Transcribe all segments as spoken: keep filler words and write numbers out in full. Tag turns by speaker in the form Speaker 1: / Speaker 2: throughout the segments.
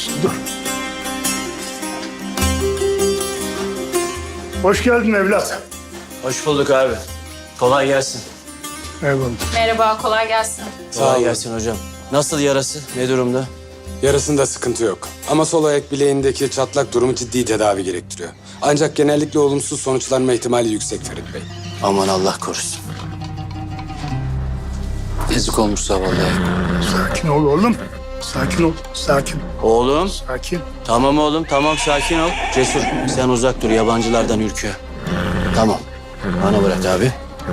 Speaker 1: Dur. Hoş geldin evlat.
Speaker 2: Hoş bulduk abi. Kolay gelsin.
Speaker 1: Eyvallah.
Speaker 3: Merhaba, kolay gelsin.
Speaker 2: Kolay gelsin hocam. Nasıl yarası? Ne durumda?
Speaker 4: Yarasında sıkıntı yok. Ama sol ayak bileğindeki çatlak durumu ciddi tedavi gerektiriyor. Ancak genellikle olumsuz sonuçlanma ihtimali yüksek Ferit Bey.
Speaker 2: Aman Allah korusun. Yazık olmuş zavallı.
Speaker 1: Sakin ol oğlum. Sakin ol. Sakin.
Speaker 2: Oğlum.
Speaker 1: Sakin.
Speaker 2: Tamam oğlum, tamam sakin ol. Cesur, sen uzak dur. Yabancılardan ürküyor. Tamam. Bana bırak abi.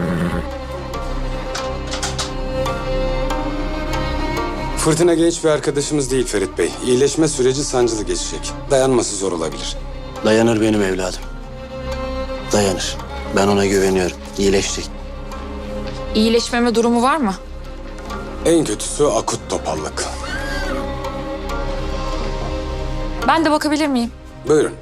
Speaker 4: Fırtına genç bir arkadaşımız değil Ferit Bey. İyileşme süreci sancılı geçecek. Dayanması zor olabilir.
Speaker 2: Dayanır benim evladım. Dayanır. Ben ona güveniyorum. İyileşecek.
Speaker 3: İyileşmeme durumu var mı?
Speaker 4: En kötüsü akut topallık.
Speaker 3: Ben de bakabilir miyim?
Speaker 4: Buyurun.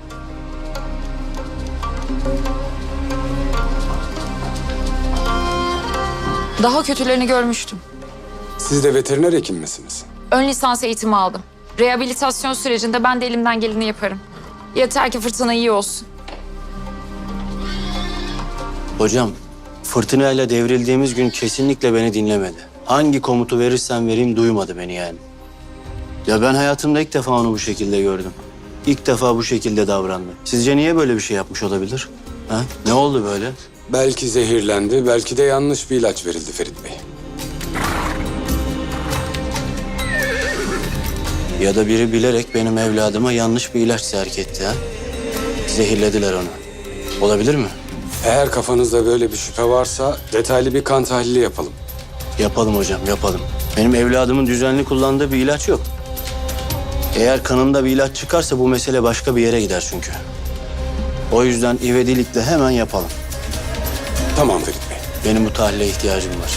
Speaker 3: Daha kötülerini görmüştüm.
Speaker 4: Siz de veteriner hekim misiniz?
Speaker 3: Ön lisans eğitimi aldım. Rehabilitasyon sürecinde ben de elimden geleni yaparım. Yeter ki fırtına iyi olsun.
Speaker 2: Hocam, fırtınayla devrildiğimiz gün kesinlikle beni dinlemedi. Hangi komutu verirsem vereyim duymadı beni yani. Ya ben hayatımda ilk defa onu bu şekilde gördüm. İlk defa bu şekilde davrandı. Sizce niye böyle bir şey yapmış olabilir? Ha? Ne oldu böyle?
Speaker 4: Belki zehirlendi, belki de yanlış bir ilaç verildi Ferit Bey.
Speaker 2: Ya da biri bilerek benim evladıma yanlış bir ilaç serk etti ha? Zehirlediler onu. Olabilir mi?
Speaker 4: Eğer kafanızda böyle bir şüphe varsa detaylı bir kan tahlili yapalım.
Speaker 2: Yapalım hocam, yapalım. Benim evladımın düzenli kullandığı bir ilaç yok. Eğer kanında bir ilaç çıkarsa bu mesele başka bir yere gider çünkü. O yüzden ivedilikle hemen yapalım.
Speaker 4: Tamam Ferit Bey.
Speaker 2: Benim bu tahlile ihtiyacım var.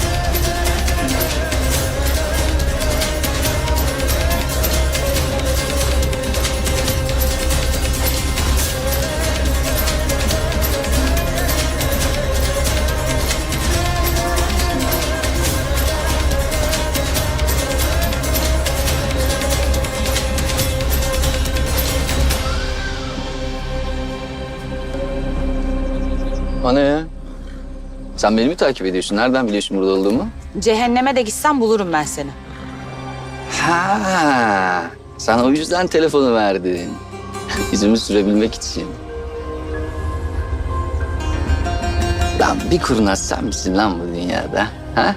Speaker 5: O ne ya? Sen beni mi takip ediyorsun? Nereden biliyorsun burada olduğumu?
Speaker 6: Cehenneme de gitsen bulurum ben seni.
Speaker 5: Ha, sen o yüzden telefonu verdin. İzimi sürebilmek için. Lan bir kurnaz sen misin lan bu dünyada? Ha?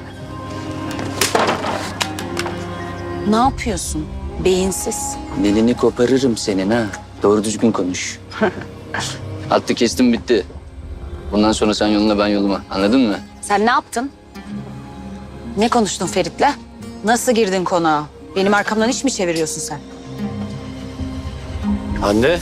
Speaker 6: Ne yapıyorsun? Beyinsiz.
Speaker 5: Dilini koparırım senin ha. Doğru düzgün konuş. Hattı kestim bitti. Bundan sonra sen yoluna ben yoluma. Anladın mı?
Speaker 6: Sen ne yaptın? Ne konuştun Ferit'le? Nasıl girdin konağa? Benim arkamdan iş mi çeviriyorsun sen?
Speaker 2: Hande.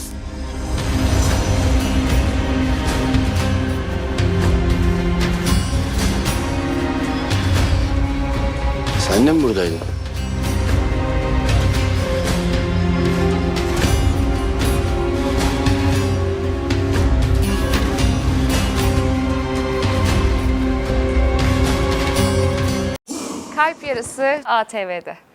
Speaker 2: Sen de mi buradaydın?
Speaker 7: Kalp Yarısı A T V'de.